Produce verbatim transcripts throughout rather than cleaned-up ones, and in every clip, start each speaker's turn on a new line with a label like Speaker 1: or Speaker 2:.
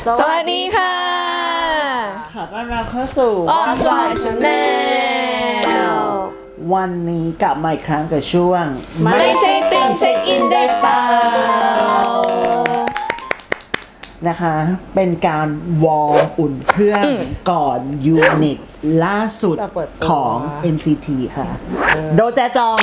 Speaker 1: สวัสดีค่ะ
Speaker 2: ขอต้อนรับเข้าสู่
Speaker 1: Oswald Channel
Speaker 2: วันนี้กลับมาอีกครั้งกับช่วง
Speaker 1: ไม่ใช่ติ่งเช็คอินได้เปล่า
Speaker 2: นะคะเป็นการวอร์มอุ่นเครื่องก่อนยูนิตล่าสุดของ เอ็น ซี ที ค่ะ โดแจจอง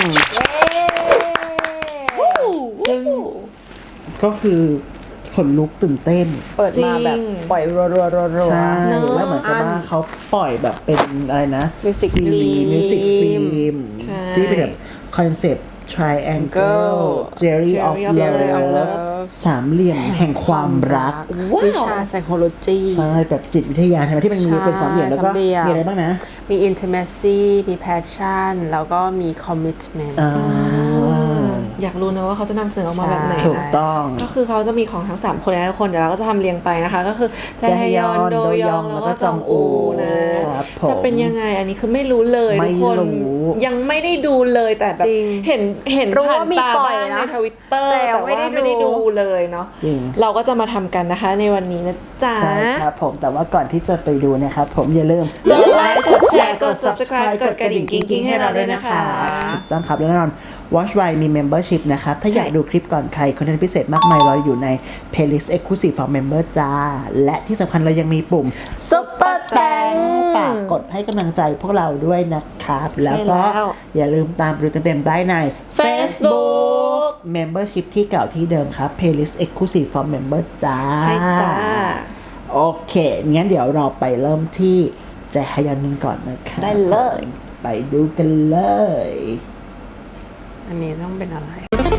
Speaker 2: ซึ่งก็คือขนลุกตื่นเต้น
Speaker 3: เปิดมาแบบปล่อยรัวๆๆๆ
Speaker 2: ใช่แล้วเหมือนกับว่าเขาปล่อยแบบเป็นอะไรนะ
Speaker 3: Music
Speaker 2: ฟิล์ม
Speaker 3: Film
Speaker 2: Music Film ที่เป็นแบบคอนเซปต์ Triangle Theory of Love สามเหลี่ยมแห่งความรัก
Speaker 3: วิชา psychology
Speaker 2: ใช่แบบจิตวิทยาใช่ไหมที่มันมีเป็นสามเหลี่ยมแล้วก็มีอะไรบ้างนะ
Speaker 3: มี intimacy มี passion แล้วก็มี commitment
Speaker 1: อยากรู้นะว่าเขาจะนำเสนอออกมาแบบไหน
Speaker 2: ถูกต้อง
Speaker 1: ก็คือเขาจะมีของทั้งสามคนนะทุกคนเดี๋ยวเราก็จะทำเรียงไปนะคะ ก็คือแจฮยอนโดยองแล้วก็จองอูนะจะเป็นยังไงอันนี้คือไม่รู้เลยทุกคนยังไม่ได้ดูเลยแต่แบบเห็นเห็นผ่านตาบ้างในทวิตเตอร์แต่ว่าไม่ได้ดูเลยเนาะเราก็จะมาทำกันนะคะในวันนี้นะจ๊ะ
Speaker 2: ใช่ครับผมแต่ว่าก่อนที่จะไปดูนะครับผมอย่าลืม
Speaker 1: กดไลค์กดแชร์กด subscribe กดกระดิ่งกิ๊งๆให้เราด้วยนะคะ
Speaker 2: ต้องครับแน่นอน Watch Why มี Membership นะครับถ้าอยากดูคลิปก่อนใครคอนเทนต์พิเศษมากมายรออยู่ใน Playlist Exclusive for Member จ้าและที่สำคัญเรายังมีปุ่ม
Speaker 1: Super Thanks
Speaker 2: ฝากกดให้กำลังใจพวกเราด้วยนะครับแล้วก็อย่าลืมตามดูเต็มๆได้ใน
Speaker 1: Facebook
Speaker 2: Membership ที่เก่าที่เดิมครับ Playlist Exclusive for Member จ้า
Speaker 1: ใช่จ้า
Speaker 2: โอเคงั้นเดี๋ยวเราไปเริ่มที่แจฮยอนนึงก่อนนะครับ
Speaker 1: ได้เลย
Speaker 2: ไปดูกันเลย
Speaker 3: อันนี้ต้องเป็นอะไร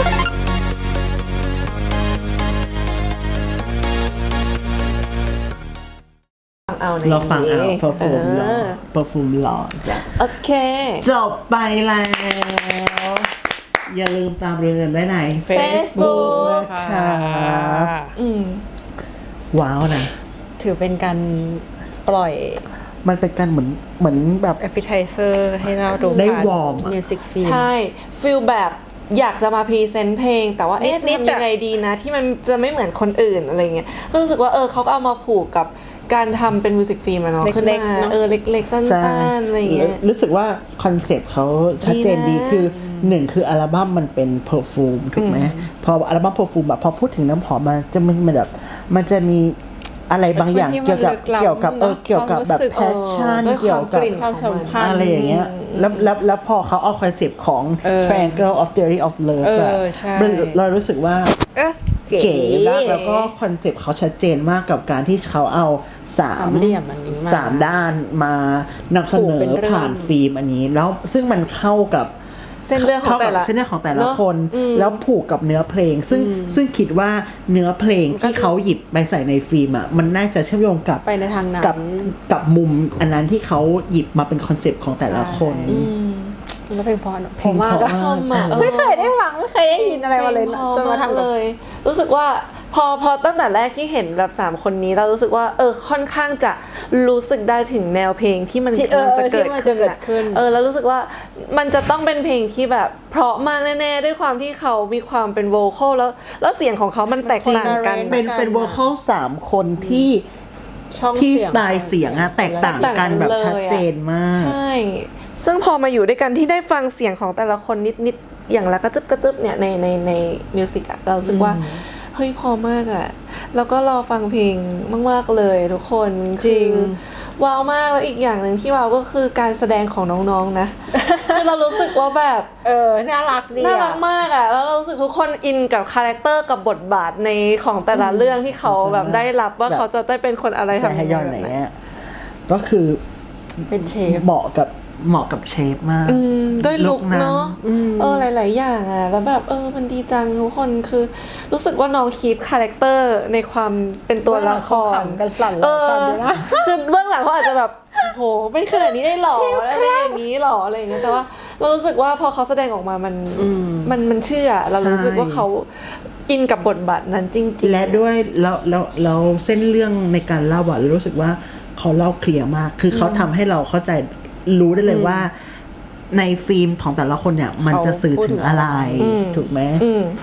Speaker 2: เราฟังเอาเพอร์ฟูมหล่อเพอร์ฟูมหล่อจ้ะ
Speaker 1: โอเค
Speaker 2: จบไปแล้วอย่าลืมตามเรื่องได้ใน
Speaker 1: Facebook
Speaker 2: ครับ
Speaker 1: อืม
Speaker 2: ว้าวนะ
Speaker 3: ถือเป็นการปล่อย
Speaker 2: มันเป็นการเหมือนเหมือนแบบ
Speaker 3: appetizer ให้เราดู
Speaker 2: ได้วอร์ม
Speaker 3: music film
Speaker 1: ใช่ฟีลแบบอยากจะมาพรีเซนต์เพลงแต่ว่าเอ๊ะจะทำยังไงดีนะที่มันจะไม่เหมือนคนอื่นอะไรเงี้ยก็รู้สึกว่าเออเขาก็เอามาผูกกับการทำเป็นมิวสิกฟิล์มอะเนาะขึ้นมาเออเล็กๆสั้นๆอะไรเงี้ย
Speaker 2: รู้สึกว่าคอนเซปต์เขาชัดเจนดีคือหนึ่งคืออัลบั้มมันเป็นเพอร์ฟูมถูกไหมพออัลบั้มเพอร์ฟูมแบบพอพูดถึงน้ำหอมมันจะมันแบบมันจะมีอะไรบางอย่างเกี่ยวกับเกี่ยวกับเออเกี่ยวกับแบบแพชชั่นเกี่ยวกับ
Speaker 3: ความสัมพันธ์
Speaker 2: อะไรอย่างเงี้ยแล้วแล้วแล้วพอเขาเอาคอนเซปต์ของ Triangle of Theory of Love อะเรารู้สึกว่าเก๋มากแล้วก็คอนเซปต์เขาชัดเจนมากกับการที่เขาเอาสาม
Speaker 3: เหลี่ยมอันนี้
Speaker 2: สามด้านมานำเสนอผ่านฟิล์มอันนี้แล้วซึ่งมันเข้ากับ
Speaker 1: เส้นเรื่องของแต่ละ
Speaker 2: เส้นเรื่องของแต่ละคนแล้วผูกกับเนื้อเพลงซึ่งซึ่งคิดว่าเนื้อเพลงที่เขาหยิบไปใส่ในฟิล์มอ่ะมันน่าจะเชื่อมโยงกับ
Speaker 3: ไปในทางนั้น
Speaker 2: กับกับมุมอันนั้นที่เขาหยิบมาเป็นคอนเซปต์ของแต่ละคน
Speaker 3: แล้วเพลงพอเพลงมาก
Speaker 1: ชอบมาก
Speaker 3: ไม่เคยได้ฟังไม่เคยได้ยินอะไรมาเลยจนมาทำ
Speaker 1: เลยรู้สึกว่าพอพอตั้งแต่แรกที่เห็นแบบสามคนนี้เรารู้สึกว่าเออค่อนข้างจะรู้สึกได้ถึงแนวเพลงที่มันจะเกิดขึ้นเออแล้วรู้สึกว่ามันจะต้องเป็นเพลงที่แบบเพราะมากแน่ๆด้วยความที่เขามีความเป็นโวคอลแล้วแล้วเสียงของเขามันแตกต่างกัน
Speaker 2: เป็นเป็นโวคอลสามคนที่ที่สไตล์เสียงอะแตกต่างกันแบบชัดเจนมาก
Speaker 1: ใช่ซึ่งพอมาอยู่ด้วยกันที่ได้ฟังเสียงของแต่ละคนนิดๆอย่างละกระจึบกระจึบเนี่ยในในในมิวสิกอะเราสึกว่าเฮ้ยพอมากอะแล้วก็รอฟังเพลงมากๆเลยทุกคน
Speaker 3: จริง
Speaker 1: ว้าวมากแล้วอีกอย่างหนึ่งที่ว้าวก็คือการแสดงของน้องๆนะคือเรารู้สึกว่าแบบ
Speaker 3: เออน่ารักดี
Speaker 1: น่ารักมากอะแล้วเรารู้สึกทุกคนอินกับคาแรคเตอร์กับบทบาทในของแต่ละเรื่องที่เขาแบบได้รับว่าเขาจะได้เป็นคนอะไรทำยังไงแบบไหน
Speaker 2: ก็คือ
Speaker 3: เป็นเชฟ
Speaker 2: เหมาะกับเหมาะกับเชฟมาก
Speaker 1: ด้วยลุคเนาะเออหลายๆอย่างอ่ะแล้วแบบเออมันดีจังทุกคนคือรู้สึกว่าน้องคีปคาแรคเตอร์ในความเป็นตัวละคร
Speaker 3: กันสั่นเลยนะ
Speaker 1: คือเบื้องหลังเขาอาจจะแบบโหเป็นขนาดนี้ได้หรออะไรอย่างนี้หรออะไรอย่างเงี้ยแต่ว่าเรารู้สึกว่าพอเขาแสดงออกมามันมันมันเชื่อเรารู้สึกว่าเขาอินกับบทบาทนั้นจริงๆ
Speaker 2: และด้วยแล้วแล้วแล้วเส้นเรื่องในการเล่าอ่ะรู้สึกว่าเขาเล่าเคลียร์มากคือเขาทำให้เราเข้าใจรู้ได้เลยว่าในฟิล์มของแต่ละคนเนี่ยมันจะสื่อถึงอะไรถูกไหม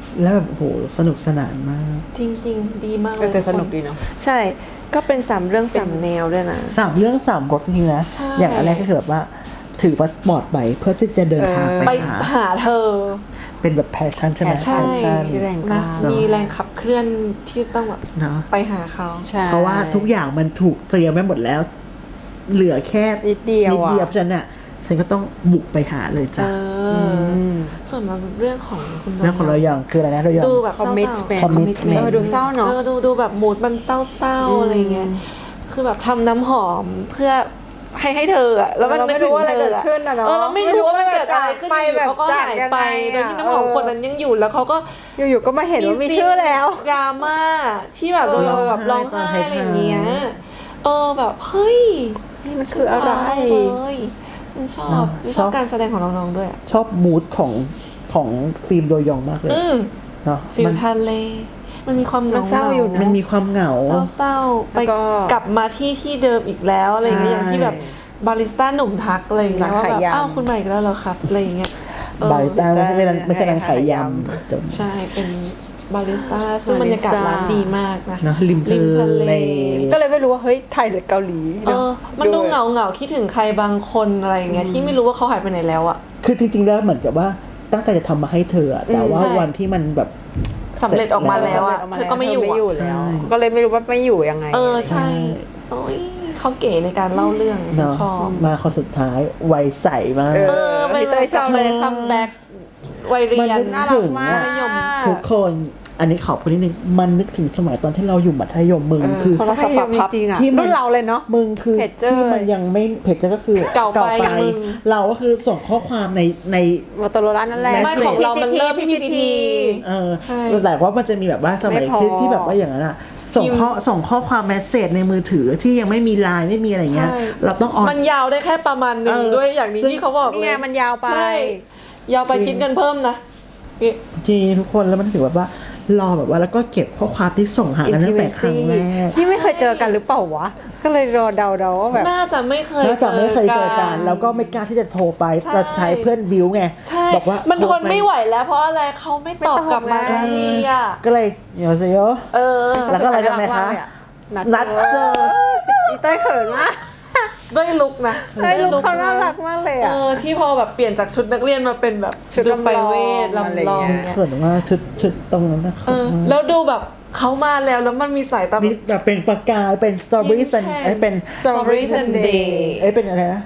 Speaker 2: แล้วแบบโหสนุกสนานมาก
Speaker 1: จริงๆ ดีมากเล
Speaker 3: เออย แต่สนุกดีเนาะ
Speaker 1: ใช่ก็เป็นสามเรื่องสามแนวด้วยนะ
Speaker 2: สามเรื่องสามรสจริงๆนะ
Speaker 1: ใช่
Speaker 2: อย่างอันแรกก็คือแบบว่าถือพาสปอร์ตไปเพื่อที่จะเดินทาง
Speaker 3: เออ
Speaker 2: ไป
Speaker 1: ไป
Speaker 2: หา
Speaker 1: หาเธอ
Speaker 2: เป็นแบบแพชชั่นใช่ไหม
Speaker 1: ใช่
Speaker 2: passion
Speaker 3: ที่แรงก
Speaker 1: นะ
Speaker 3: ล้า
Speaker 1: มีแรงขับเคลื่อนที่ต้องแบบ
Speaker 2: เนาะ
Speaker 1: ไปหาเขา
Speaker 3: ใช่
Speaker 2: เพราะว่าทุกอย่างมันถูกเตรียมไว้หมดแล้ว เหลือแค่
Speaker 3: นิดเดียว
Speaker 2: นิดเดียว
Speaker 3: อะ
Speaker 2: เพราะฉะนั้นน่ะฉันก็ต้องบุกไปหาเลย
Speaker 1: เอ
Speaker 2: จ้ะ
Speaker 1: ออ
Speaker 3: ม
Speaker 1: ส่วนมาเรื่องของคุณ
Speaker 2: เรื่องของเราอย่างคืออะไรนะเราอย่าง
Speaker 1: ดูแบบเศร้าๆ
Speaker 3: commitment
Speaker 2: commitment
Speaker 3: เออดูเศร้าเนาะ
Speaker 1: เออดูดูแบบมูดมันเศร้าๆอะไรเงี้ยคือแบบทำน้ำหอมเพื่อให้ให้เธออะแล้วมัน
Speaker 3: เราไม่
Speaker 1: นึกถึง
Speaker 3: รู้ว่าอะไร
Speaker 1: เธ
Speaker 3: เกิดขึ้นอะเนาะ
Speaker 1: เออเราไม่รู้ว่ามันเกิดอะไรขึ้น
Speaker 3: ไป
Speaker 1: อยู่
Speaker 3: แบบ
Speaker 1: เขาก็
Speaker 3: จาก
Speaker 1: หาย
Speaker 3: ยัง
Speaker 1: ไป
Speaker 3: ไงอะ
Speaker 1: โดยที่น้ำหอมคนนั้นยังอยู่แล้วเขาก็
Speaker 3: อยู่ๆก็มาเห็นว่ามีชื่อแล้ว
Speaker 1: ดราม่าที่แบบโดนเราแบบร้องไห้อะไรอย่างเงี้ยเออแบบเฮ้ย
Speaker 3: นี่มันคืออะไร
Speaker 1: เลยฉันชอบชอบการแสดงของน้องๆด้วยอะ
Speaker 2: ชอบมูดของของฟิล์มโดยยองมากเลย
Speaker 1: อืม
Speaker 2: เนาะ
Speaker 1: ฟิล
Speaker 2: มัน
Speaker 1: ทะเลมันมีความ
Speaker 3: มันเศร้าอยู่นะ
Speaker 2: มันมีความเหงา
Speaker 1: เศร้าๆไป
Speaker 3: แล้วก็
Speaker 1: กลับมาที่ที่เดิมอีกแล้วอะไรอย่างเงี้ย
Speaker 2: ใช่
Speaker 1: อย่างที่แบบบาริสต้าหนุ่มทักอะไรอย่างเงี้ย
Speaker 3: ร้าน
Speaker 1: ว่า
Speaker 3: ขาย
Speaker 1: แบบ
Speaker 3: ยำ
Speaker 1: อ้าวคุณใหม่อีกแล้วเหรอครับอะไรอย่างเงี้ยเออ
Speaker 2: บาริสต้าไม่ใช่ไม่ใช่ไม่ใช่ร้านขายย
Speaker 3: ขายย
Speaker 2: ำจบ
Speaker 1: ใช่เป็นบาริสต้าซึ่งบรรยากาศร้านดีมากนะ
Speaker 2: เนอะริมทะเล
Speaker 3: ก็เลยไม่รู้ว่าเฮ้ยไทยหรือเกาหลี
Speaker 1: เออมันดูเหงาเหงาๆคิดถึงใครบางคนอะไรอย่างเงี้ยที่ไม่รู้ว่าเขาหายไปไหนแล้วอะ
Speaker 2: คือจริงๆแล้วเหมือนกับว่าตั้งใจจะทำมาให้เธออะแต่ว่า
Speaker 1: ใช่
Speaker 2: วันที่มันแบบ
Speaker 1: สำเร็จออกมาแล้วอะเธอก็ไม่อยู่
Speaker 3: ไม่อยู่
Speaker 1: อะ
Speaker 3: แล้ว
Speaker 2: ใช่
Speaker 3: ก็เลยไม่รู้ว่าไม่อยู่ยังไง
Speaker 1: เออใช่โอ้ยเขาเก๋ในการเล่าเรื่องฉัน
Speaker 2: เนาะ
Speaker 1: ชอบ
Speaker 2: มาคนสุดท้ายวัยใสมาก
Speaker 3: เอ
Speaker 1: เออเป็น
Speaker 3: พี่เต้ยชอบเลย
Speaker 1: คัมแบ็กวัยเรียน
Speaker 2: มันนึก
Speaker 3: น่ารักมาก
Speaker 1: มัธยม
Speaker 2: ทุกคนอันนี้ขอพูดนิดนึงมันนึกถึงสมัยตอนที่เราอยู่มัธยมมึงคือ
Speaker 1: โทรศัพท์ปรับพับ
Speaker 3: จริงๆอะ
Speaker 2: ที่มัน
Speaker 3: รุ่นเราเลยเนาะ
Speaker 2: มึงคือ
Speaker 3: เพจเจอร์
Speaker 2: ที่มันยังไม่เพจเจอร์ก็คือ
Speaker 1: เก่าไปมึง
Speaker 2: เราก็คือส่งข้อความในใน
Speaker 3: มอเตอร์โรล่านั่นแหละ
Speaker 1: ไม่ของเรามันเริ่ม
Speaker 3: พี
Speaker 1: พี
Speaker 3: ซี
Speaker 1: ซี
Speaker 3: ที
Speaker 1: ที
Speaker 2: เออ
Speaker 1: ใช่
Speaker 2: แต่ว่ามันจะมีแบบว่าสมัย
Speaker 3: ไม่พอ
Speaker 2: ที่ที่แบบว่าอย่างนั้นอะส่งข้อส่งข้อความแมสเซจในมือถือที่ยังไม่มีไลน์ไม่มีอะไรเงี้ย
Speaker 1: ใช่
Speaker 2: เราต้องออน
Speaker 1: มันยาวได้แค่ประมาณหนึ่ง
Speaker 2: เออ
Speaker 1: ด้วยอย่างนี้
Speaker 2: ซึ่ง
Speaker 1: ที่เขาบอก
Speaker 3: นี่
Speaker 1: เล
Speaker 3: ไง
Speaker 1: ย
Speaker 3: มันยาวไป
Speaker 1: ใช่ยาวไปคิดเงินเพิ่มนะนี่
Speaker 2: จริงทุกคนแล้วมันถือแบบว่ารอแบบว่าแล้วก็เก็บข้อความที่ส่งหากันตั้งแต่ครั้งแรก
Speaker 3: ที่ไม่เคยเจอกันหรือเปล่าวะ ก็เลยรอเดาๆว่าแบบ
Speaker 1: น่าจะไม่เคย
Speaker 2: น่าจะไม่เคยเจอกันแล้วก็ไม่กล้าที่จะโทรไป
Speaker 1: ใช่
Speaker 2: จะใช้เพื่อนบิวไง
Speaker 1: ใช่
Speaker 2: บอกว่า
Speaker 1: มันทนไม่ไหวแล้วเพราะอะไรเขาไม่ตอบกลับมา
Speaker 3: ไม่ตอบไง
Speaker 1: ทีอ่ะ
Speaker 2: ก็เลยเดี๋ยวสิโย
Speaker 1: เออ
Speaker 2: แล้วก็อะไรกันไหมคะ
Speaker 3: นัด
Speaker 2: นัดเจอ
Speaker 3: อีเต้ยเขินมาก
Speaker 1: ด้วยลุกนะ
Speaker 3: เต้ยลุกเขาน่ารักมากเลย
Speaker 1: เอ
Speaker 3: อ่ะ
Speaker 1: อที่พอแบบเปลี่ยนจากชุดนักเรียนมาเป็นแบบ
Speaker 3: ชุด
Speaker 1: ดู
Speaker 3: ลำลอง
Speaker 1: ไปเวท
Speaker 3: อะไร
Speaker 1: ลำลอง
Speaker 3: เงี้ย
Speaker 1: เนี่ย
Speaker 2: เขินว่าชุดชุดตรงนั้นนะ
Speaker 1: เอ
Speaker 2: เขิน
Speaker 1: อ
Speaker 2: มาก
Speaker 1: แล้วดูแบบเขามาแล้วแล้วมันมีสายตา
Speaker 2: มีแบบเป็นประกายเป็นสตรอเบอรี่ซัน
Speaker 1: ยิ้มแฉ่ง
Speaker 2: ไอ้เป็น
Speaker 1: Strawberry Sunday
Speaker 2: ไอ้เป็นอะไรนะ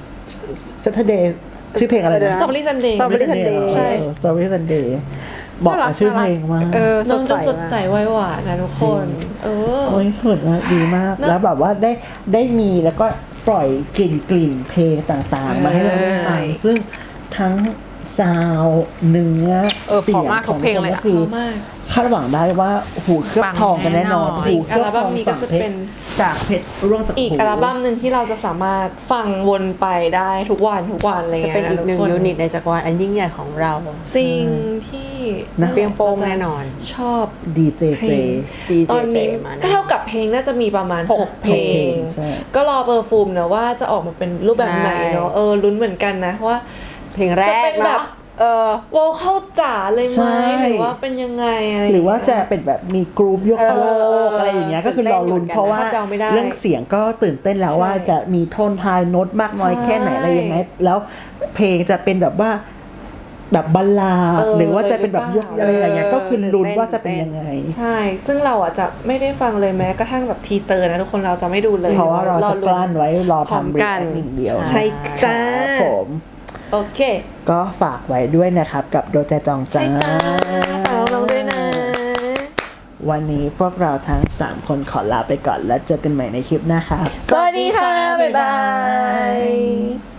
Speaker 2: Saturday ชื่อเพลงอะไรนะ
Speaker 1: สตรอเบอรี่ซันเดย์
Speaker 3: Strawberry Sunday
Speaker 1: ใช่
Speaker 2: สตรอเบอรี่ซันเดย์บอกกับชื่อเพลงมา
Speaker 3: เออ
Speaker 1: น้องดูสดใส
Speaker 3: มาก
Speaker 1: ไวหวานนะทุกคน เออ
Speaker 2: โอ้ยเขินมากดีมาก
Speaker 1: นะ
Speaker 2: แล้วแบบว่าได้ได้มีแล้วก็ปล่อยกลิ่นกลิ่นเพลงต่างๆ มาให้เราได้ฟังซึ่งทั้งซาวด์เนื้อ
Speaker 3: เออ
Speaker 2: เสียง
Speaker 3: เพราะมาก
Speaker 2: ของ
Speaker 3: ทุกเพลงเลย
Speaker 2: ก็
Speaker 3: อะ
Speaker 2: คือ
Speaker 1: เพราะมาก
Speaker 2: คาดหวังได้ว่าหูเคลือบทองกันแน่นอน
Speaker 3: ปังแน่นอน
Speaker 2: หูเคลือบ
Speaker 1: อัล
Speaker 2: ท
Speaker 1: บั้
Speaker 2: อ
Speaker 1: ม
Speaker 2: ง
Speaker 1: นี้ก็
Speaker 2: ฝั่ง
Speaker 1: จะ
Speaker 2: เพช
Speaker 1: เป็
Speaker 2: ร
Speaker 1: น
Speaker 2: จากเพชรร่วงจาก
Speaker 1: อีก
Speaker 2: หู
Speaker 1: อัลบั้มหนึ่งที่เราจะสามารถฟังวนไปได้ทุกวันทุกวันอะไร
Speaker 3: จะ
Speaker 1: เงี้ย
Speaker 3: เป็นอีกหนึ่ง
Speaker 1: ทุค
Speaker 3: ยูนิตในจักรวาลอันยิ่งใหญ่ของเรา
Speaker 1: สิ่งที่
Speaker 2: นะ
Speaker 3: เปรี้ยงโป้งแน่นอน
Speaker 1: ชอบ
Speaker 2: ดีเจ
Speaker 1: เพ
Speaker 2: เจ
Speaker 1: ลง
Speaker 3: ดีเจ
Speaker 1: ตอนนี้
Speaker 3: เจมาแน่
Speaker 1: ก็เท่ากับเพลงน่าจะมีประมาณ
Speaker 3: หก
Speaker 1: หกเพลง
Speaker 2: ใช่
Speaker 1: ก็รอเปอร์ฟูมนะว่าจะออกมาเป็นรูปแบบไหนเนาะ
Speaker 3: ใช่
Speaker 1: เออลุ้นเหมือนกันนะว่า
Speaker 3: เพลงแร
Speaker 1: จะ
Speaker 3: ก
Speaker 1: เป็นแบบ
Speaker 3: เนาะเออ
Speaker 1: วอลเข้าจ๋าเลยไห
Speaker 2: ใช่
Speaker 1: มหรือว่าเป็นยังไงอะไร
Speaker 2: หรือว่าจะเป็นแบบมีกรูฟยก
Speaker 3: เออ
Speaker 2: โลกอะไรอย่างเงี้ยก็คือรอลุ้นเพราะว่า
Speaker 1: คาดเดาไม่ได้
Speaker 2: เรื่องเสียงก็ตื่นเต้นแล้ว
Speaker 1: ใช่
Speaker 2: ว่าจะมีโทนทายโน้ตมากน้อย
Speaker 1: ใช่
Speaker 2: แค่ไหนอะไรยังไงแล้วเพลงจะเป็นแบบว่าแบบบัลลาด
Speaker 1: เออ
Speaker 2: หรือว่าจะเป็นแบบยกอะไรอย่างเงี้ย
Speaker 3: เออ
Speaker 2: ก็คือลุ้น
Speaker 3: ตื่นเต้น
Speaker 2: ว่าจะเป็นยังไง
Speaker 1: ใช่ ซึ่งเราอ่ะจะไม่ได้ฟังเลยแม้กระทั่งแบบทีเซอร์นะทุกคนเราจะไม่ดูเลย
Speaker 2: เพราะว่าเราจะกลั้นไว้รอ
Speaker 1: พร้อม
Speaker 2: ทำ
Speaker 1: กัน
Speaker 2: รีแอคหนึ่งเดียว
Speaker 1: ใช่จ้า
Speaker 2: ครับผม
Speaker 1: โอเค
Speaker 2: ก็ฝากไว้ด้วยนะครับกับโดแจจองจ้า
Speaker 1: ใช่จ้าฝากน้องๆด้วยนะ
Speaker 2: วันนี้พวกเราทั้งสามคนขอลาไปก่อนแล้วเจอกันใหม่ในคลิปหน้าครับ
Speaker 1: สวัสดีค่ะ บ๊ายบาย